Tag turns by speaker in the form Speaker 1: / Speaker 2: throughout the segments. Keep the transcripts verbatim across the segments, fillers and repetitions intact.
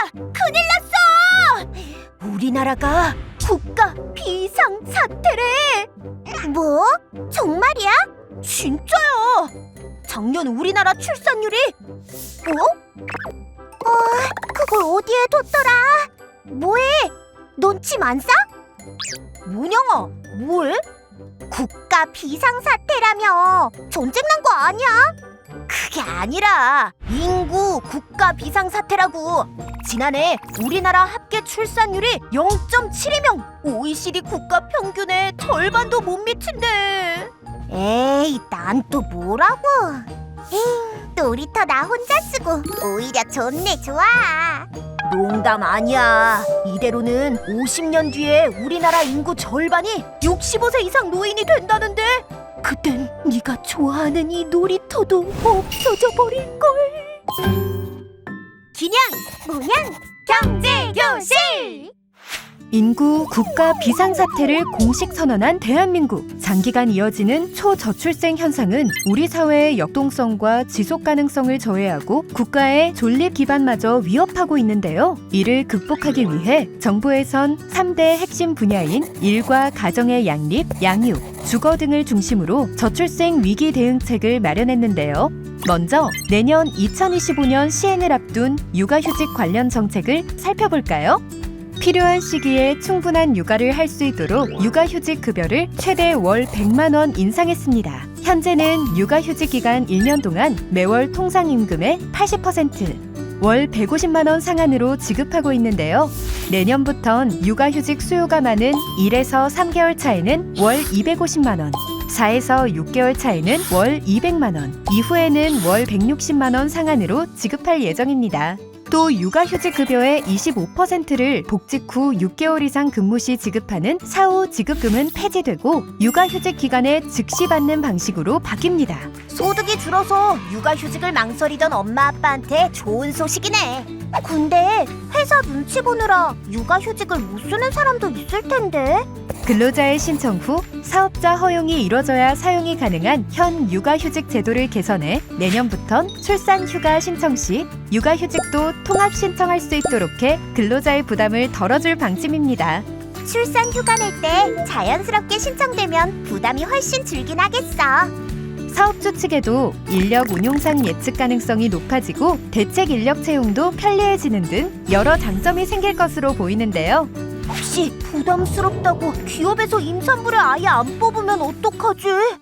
Speaker 1: 큰일 났어! 우리나라가 국가 비상사태래! 뭐? 정말이야? 진짜야! 작년 우리나라 출산율이 어? 어, 그걸 어디에 뒀더라? 뭐해? 넌 침 안 싸? 문영아, 뭐해? 국가 비상사태라며. 전쟁 난 거 아니야? 그게 아니라 인구 국가 비상사태라고. 지난해 우리나라 합계 출산율이 영 점 칠이 명, 오이시디 국가 평균의 절반도 못 미친대. 에이, 난 또 뭐라고? 에이, 놀이터 나 혼자 쓰고 오히려 좋네, 좋아. 농담 아니야. 이대로는 오십 년 뒤에 우리나라 인구 절반이 육십오 세 이상 노인이 된다는데, 그땐 네가 좋아하는 이 놀이터도 없어져 버릴걸. 기냥, 문양, 경제교실!
Speaker 2: 인구 국가 비상사태를 공식 선언한 대한민국. 장기간 이어지는 초저출생 현상은 우리 사회의 역동성과 지속 가능성을 저해하고 국가의 존립 기반마저 위협하고 있는데요. 이를 극복하기 위해 정부에선 삼 대 핵심 분야인 일과 가정의 양립, 양육, 주거 등을 중심으로 저출생 위기 대응책을 마련했는데요. 먼저 내년 이천이십오 년 시행을 앞둔 육아휴직 관련 정책을 살펴볼까요? 필요한 시기에 충분한 육아를 할 수 있도록 육아휴직 급여를 최대 월 백만 원 인상했습니다. 현재는 육아휴직 기간 일 년 동안 매월 통상임금의 팔십 퍼센트, 월 백오십만 원 상한으로 지급하고 있는데요. 내년부턴 육아휴직 수요가 많은 일에서 삼 개월 차에는 월 이백오십만 원, 사에서 육 개월 차에는 월 이백만 원, 이후에는 월 백육십만 원 상한으로 지급할 예정입니다. 또 육아휴직 급여의 이십오 퍼센트를 복직 후 육 개월 이상 근무 시 지급하는 사후 지급금은 폐지되고 육아휴직 기간에 즉시 받는 방식으로 바뀝니다.
Speaker 1: 소득이 줄어서 육아휴직을 망설이던 엄마 아빠한테 좋은 소식이네. 근데 회사 눈치 보느라 육아휴직을 못 쓰는 사람도 있을 텐데.
Speaker 2: 근로자의 신청 후 사업자 허용이 이뤄져야 사용이 가능한 현 육아휴직 제도를 개선해 내년부턴 출산휴가 신청 시 육아휴직도 통합 신청할 수 있도록 해 근로자의 부담을 덜어줄 방침입니다.
Speaker 1: 출산휴가 낼 때 자연스럽게 신청되면 부담이 훨씬 줄긴 하겠어.
Speaker 2: 사업주 측에도 인력 운용상 예측 가능성이 높아지고 대책 인력 채용도 편리해지는 등 여러 장점이 생길 것으로 보이는데요.
Speaker 1: 혹시 부담스럽다고 기업에서 임산부를 아예 안 뽑으면 어떡하지?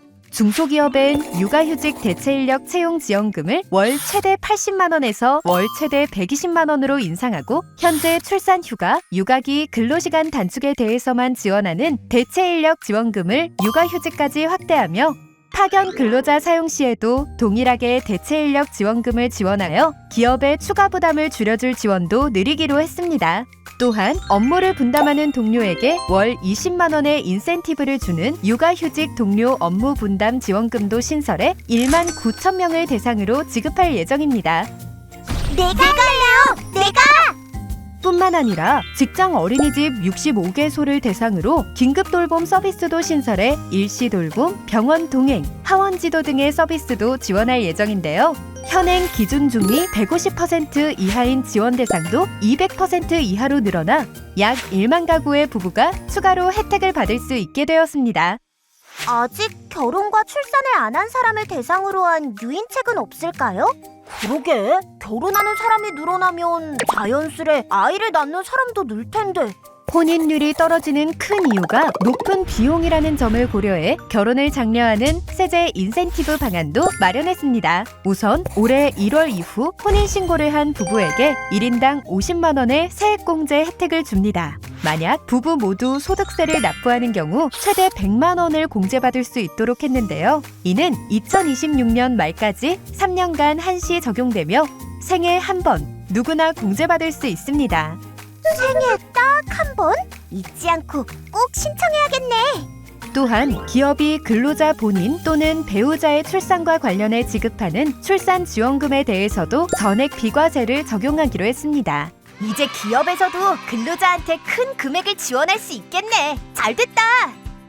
Speaker 2: 중소기업엔 육아휴직 대체인력 채용 지원금을 월 최대 팔십만 원에서 월 최대 백이십만 원으로 인상하고, 현재 출산휴가, 육아기 근로시간 단축에 대해서만 지원하는 대체인력 지원금을 육아휴직까지 확대하며 파견 근로자 사용 시에도 동일하게 대체인력 지원금을 지원하여 기업의 추가 부담을 줄여줄 지원도 늘리기로 했습니다. 또한 업무를 분담하는 동료에게 월 이십만 원의 인센티브를 주는 육아휴직 동료 업무 분담 지원금도 신설해 일만 구천 명을 대상으로 지급할 예정입니다.
Speaker 1: 내가 할래요! 내가!
Speaker 2: 뿐만 아니라 직장 어린이집 육십오 개소를 대상으로 긴급 돌봄 서비스도 신설해 일시 돌봄, 병원 동행, 하원 지도 등의 서비스도 지원할 예정인데요. 현행 기준 중위 백오십 퍼센트 이하인 지원 대상도 이백 퍼센트 이하로 늘어나 약 일만 가구의 부부가 추가로 혜택을 받을 수 있게 되었습니다.
Speaker 1: 아직 결혼과 출산을 안 한 사람을 대상으로 한 유인책은 없을까요? 그러게, 결혼하는 사람이 늘어나면 자연스레 아이를 낳는 사람도 늘 텐데.
Speaker 2: 혼인율이 떨어지는 큰 이유가 높은 비용이라는 점을 고려해 결혼을 장려하는 세제 인센티브 방안도 마련했습니다. 우선 올해 일월 이후 혼인신고를 한 부부에게 일 인당 오십만 원의 세액공제 혜택을 줍니다. 만약 부부 모두 소득세를 납부하는 경우 최대 백만 원을 공제받을 수 있도록 했는데요. 이는 이천이십육 년 말까지 삼 년간 한시 적용되며 생애 한 번 누구나 공제받을 수 있습니다.
Speaker 1: 생애 딱 한 번? 잊지 않고 꼭 신청해야겠네.
Speaker 2: 또한 기업이 근로자 본인 또는 배우자의 출산과 관련해 지급하는 출산지원금에 대해서도 전액 비과세를 적용하기로 했습니다.
Speaker 1: 이제 기업에서도 근로자한테 큰 금액을 지원할 수 있겠네. 잘 됐다.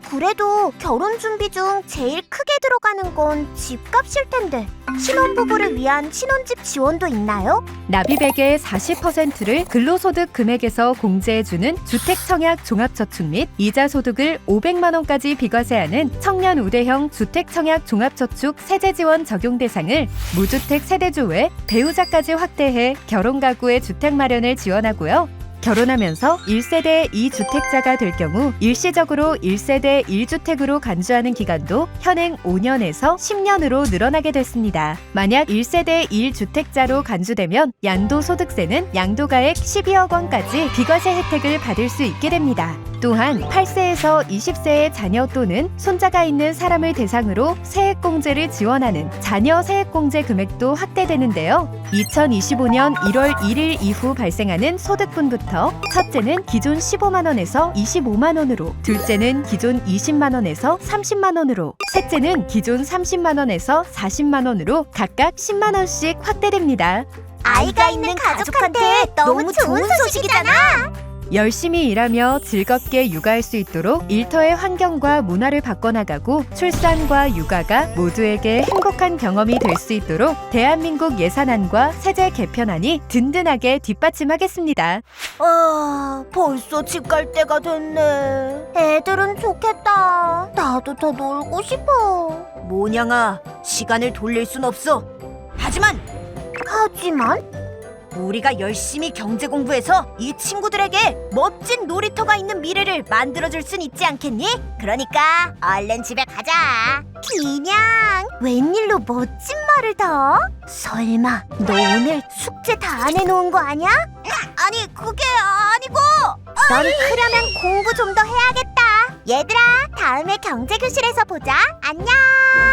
Speaker 1: 그래도 결혼 준비 중 제일 크게 들어가는 건 집값일 텐데 신혼부부를 위한 신혼집 지원도 있나요?
Speaker 2: 납입액의 사십 퍼센트를 근로소득 금액에서 공제해주는 주택청약 종합저축 및 이자 소득을 오백만 원까지 비과세하는 청년 우대형 주택청약 종합저축 세제지원 적용 대상을 무주택 세대주 외 배우자까지 확대해 결혼 가구의 주택 마련을 지원하고요. 결혼하면서 일 세대 이 주택자가 될 경우 일시적으로 일 세대 일 주택으로 간주하는 기간도 현행 오 년에서 십 년으로 늘어나게 됐습니다. 만약 일 세대 일 주택자로 간주되면 양도소득세는 양도가액 십이억 원까지 비과세 혜택을 받을 수 있게 됩니다. 또한 팔 세에서 이십 세의 자녀 또는 손자가 있는 사람을 대상으로 세액공제를 지원하는 자녀 세액공제 금액도 확대되는데요. 이천이십오 년 일월 일일 이후 발생하는 소득분부터 첫째는 기존 십오만 원에서 이십오만 원으로, 둘째는 기존 이십만 원에서 삼십만 원으로, 셋째는 기존 삼십만 원에서 사십만 원으로 각각 십만 원씩 확대됩니다.
Speaker 1: 아이가 있는 가족한테 너무 좋은 소식이잖아.
Speaker 2: 열심히 일하며 즐겁게 육아할 수 있도록 일터의 환경과 문화를 바꿔나가고 출산과 육아가 모두에게 행복한 경험이 될 수 있도록 대한민국 예산안과 세제 개편안이 든든하게 뒷받침하겠습니다.
Speaker 1: 아, 벌써 집 갈 때가 됐네. 애들은 좋겠다. 나도 더 놀고 싶어.
Speaker 3: 모냥아, 시간을 돌릴 순 없어. 하지만
Speaker 1: 하지만
Speaker 3: 우리가 열심히 경제 공부해서 이 친구들에게 멋진 놀이터가 있는 미래를 만들어줄 순 있지 않겠니? 그러니까 얼른 집에 가자.
Speaker 1: 그냥 웬일로 멋진 말을 더? 설마 너 오늘 숙제 다 안 해놓은 거 아니야?
Speaker 3: 아니, 그게 아니고.
Speaker 1: 넌 그러면 공부 좀 더 해야겠다. 얘들아, 다음에 경제교실에서 보자. 안녕.